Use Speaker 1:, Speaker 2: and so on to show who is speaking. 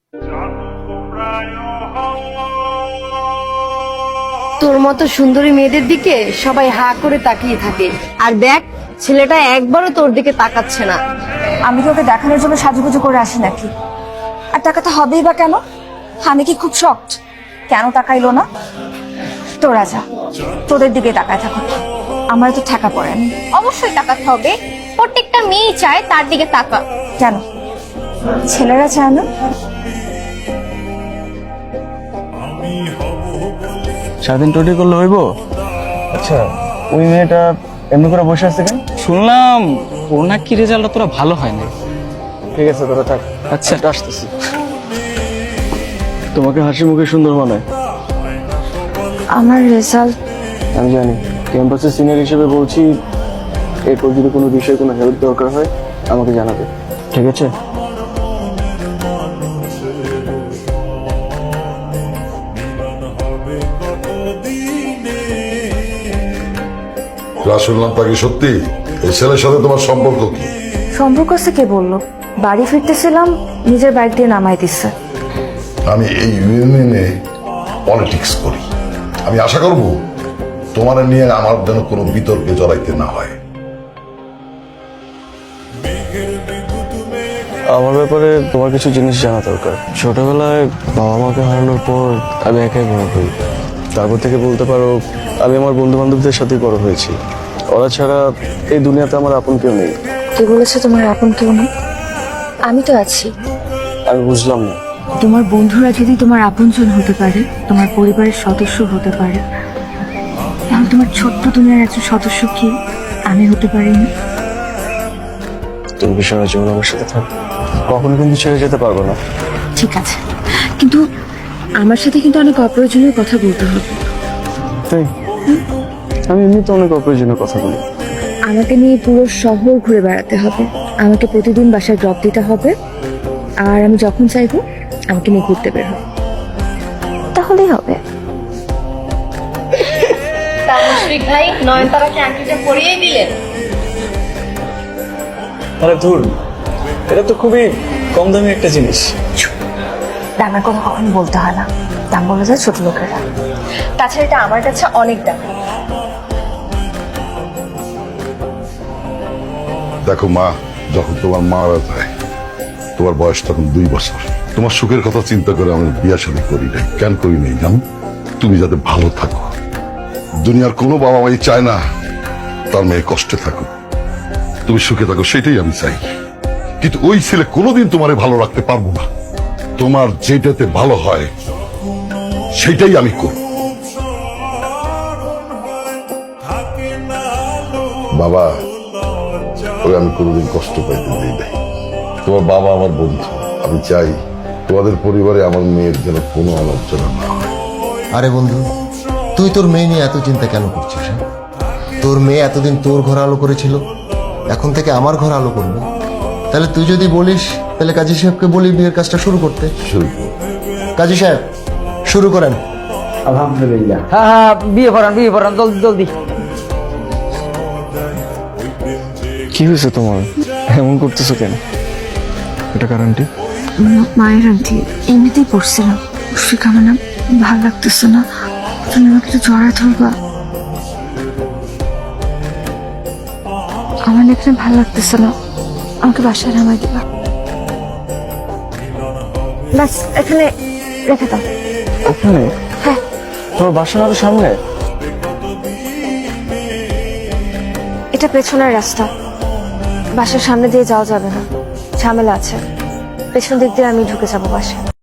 Speaker 1: তোর মতো সুন্দরী মেয়েদের দিকে সবাই হা করে তাকিয়ে থাকে, আর দেখ ছেলেটা একবারও তোর দিকে তাকাচ্ছে না।
Speaker 2: আমি কি ওকে দেখানোর জন্য সাজুগুজু করে আসি নাকি? আর টাকাটা হবেই বা কেন? আমি কি খুব শক্ট? কেন তাকাইলো না? তোরা যা, তোদের দিকে তাকায় থাকো, আমার তো ঠেকা পড়েনি।
Speaker 3: অবশ্যই তাকাতে হবে, প্রত্যেকটা মেয়ে চায় তার দিকে তাকা।
Speaker 2: কেন ছেলেরা চায় না?
Speaker 4: সারাদিন টোটি করলে হইব? আচ্ছা, ওই মেয়েটা এমনি করে বসে আছে কেন?
Speaker 5: শুনলাম ওর নাকি রেজাল্টটা তোরা ভালো হয় না।
Speaker 4: ঠিক আছে, তোরা থাক।
Speaker 5: আচ্ছা
Speaker 4: আসতেছি। তোমাকে হাসি মুখে সুন্দর মানায়।
Speaker 2: আমার রেজাল্ট
Speaker 4: আমি জানি, ক্যাম্পাসের সিনিয়র হিসেবে বলছি, এরপর যদি কোনো বিষয়ে কোনো হেল্প দরকার হয় আমাকে জানাবে, ঠিক আছে?
Speaker 6: শুনলাম তাকে সত্যি এই ছেলের সাথে তোমার সম্পর্ক কি?
Speaker 2: সম্পর্ক আছে কে বললো? বাড়ি ফিরতেছিলাম, নিজের বাইক দিয়ে নামাই দিচ্ছে।
Speaker 6: আমি এই ইউনিয়নে পলিটিক্স করি, আমি আশা করব তোমার নিয়ে আমার যেন কোনো বিতর্কে জড়াইতে না হয়।
Speaker 4: আমার ব্যাপারে তোমার কিছু জিনিস জানা দরকার। ছোটবেলায় বাবা মাকে হারানোর পর আমি একাই বড় হই। তারপর থেকে বলতে পারো আমি আমার বন্ধু বান্ধবদের সাথে বড় হয়েছি। ওরা ছাড়া এই দুনিয়াতে আমার আপন কেউ নেই।
Speaker 2: কে বলেছে তোমার আপন কেউ নেই? আমি তো আছি।
Speaker 4: আমি বুঝলাম না।
Speaker 2: তোমার বন্ধুরা যদি তোমার আপনজন হতে পারে, তোমার পরিবারের সদস্য হতে পারে, তাহলে তোমার ছোট্ট দুনিয়ার একজন সদস্য কি আমি হতে পারি না?
Speaker 4: তুমি কি সারা জীবন আমার সাথে থাকবে? কখনো কিন্তু ছেড়ে যেতে পারবো না।
Speaker 2: ঠিক আছে, কিন্তু আমার সাথে কিন্তু অনেক অপ্রয়োজনীয় কথা বলতে হবে।
Speaker 4: তাই আমি এমনিতে অনেক অপ্রয়োজনীয় কথা বলি।
Speaker 2: আমাকে নিয়ে পুরো শহর ঘুরে বেড়াতে হবে, আমাকে প্রতিদিন বাসায় ড্রপ দিতে হবে, আর আমি যখন চাইবো আমাকে নিয়ে ঘুরতে বের হবে, তাহলেই হবে।
Speaker 1: মুশফিক ভাই নয়নতারাকে আংটিটা পরিয়ে দিলেন।
Speaker 4: আরে ধুর, এটা তো খুবই কম দামি একটা জিনিস।
Speaker 2: দামের কথা কখনো বলতে হয় না, দাম বলে যায় ছোট লোকেরা। তাছাড়া এটা আমার কাছে অনেক দাম।
Speaker 6: দেখো মা, যখন তোমার মারা যায় তোমার বয়স তখন 2 বছর। তোমার সুখের কথা চিন্তা করে আমি বিয়ে শাদী করি নাই। কেন করি নাই জানো? তুমি যাতে ভালো থাকো। দুনিয়ার কোনো বাবা মাই চায় না তার মেয়ে কষ্টে থাকুক, তুমি সুখে থাকো, সেটাই আমি চাই। কিন্তু ওই ছেলে কোনোদিন তোমারে ভালো রাখতে পারবো না। তোমার যেটাতে ভালো হয় সেটাই আমি করব। বাবা, ওই আমি কোনোদিন কষ্ট পাইতে দিই নাই। তোমার বাবা আমার বন্ধু, আমি চাই তোমাদের পরিবারে আমার মেয়ের যেন কোনো আলোচনা না হয়।
Speaker 7: আরে বন্ধু, তুই তোর মেয়ে নিয়ে এত চিন্তা কেন করছিস? হ্যাঁ? তোর মেয়ে এতদিন তোর ঘর আলো করেছিল, এখন থেকে আমার ঘর আলো করবে। তাহলে তুই যদি বলিস, তাহলে কাজী সাহেবকে বলি বিয়ের কাজটা শুরু করতে।
Speaker 6: শুরু করো।
Speaker 7: কাজী সাহেব, শুরু করেন।
Speaker 8: আলহামদুলিল্লাহ। হ্যাঁ হ্যাঁ, বিয়ে পড়ান জলদি জলদি।
Speaker 4: কি হয়েছে তোমার? এমন করতেছো কেন? এটা কারণটি?
Speaker 2: মায়ের আন্টি এমনিতেই পড়ছিলাম, মুশফিক আমার না ভালো লাগতেছে না, তুমি আমাকে একটু জড়ায় ধরবা। আমার না এখানে ভালো লাগতেছে না, আমাকে বাসায় নামাই দিবা। ব্যাস এখানে রেখে দাও।
Speaker 4: ওখানে?
Speaker 2: হ্যাঁ।
Speaker 4: তোমার বাসা না তো সামনে?
Speaker 2: এটা পেছনের রাস্তা, বাসার সামনে দিয়ে যাওয়া যাবে না, ঝামেলা আছে। পেছন দিক দিয়ে আমি ঢুকে যাবো বাসায়।